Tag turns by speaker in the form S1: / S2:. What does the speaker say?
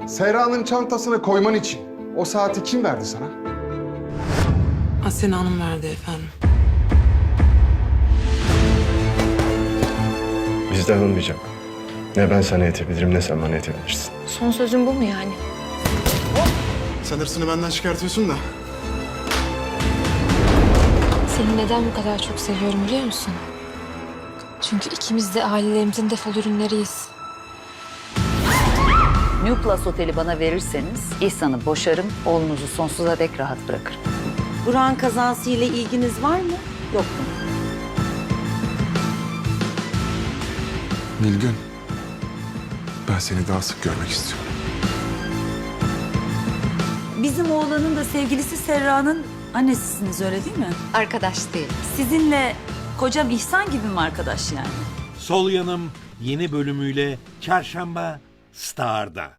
S1: Serra'nın çantasına koyman için o saati kim verdi sana?
S2: Asena Hanım verdi efendim.
S3: Bizden olmayacak. Ne ben sana yetebilirim ne sen bana yetebilirsin.
S4: Son sözün bu mu yani?
S1: Sen hırsını benden çıkartıyorsun da.
S4: Seni neden bu kadar çok seviyorum biliyor musun? Çünkü ikimiz de ailelerimizin defol ürünleriyiz.
S5: New Plus Oteli bana verirseniz İhsan'ı boşarım, oğlunuzu sonsuza dek rahat bırakırım.
S6: Burak'ın kazası ile ilginiz var mı? Yok mu?
S1: Nilgün, ben seni daha sık görmek istiyorum.
S6: Bizim oğlanın da sevgilisi Serra'nın annesisiniz öyle değil mi?
S4: Arkadaş değil.
S6: Sizinle kocam İhsan gibi mi arkadaş yani?
S7: Sol Yanım yeni bölümüyle Çarşamba Star'da.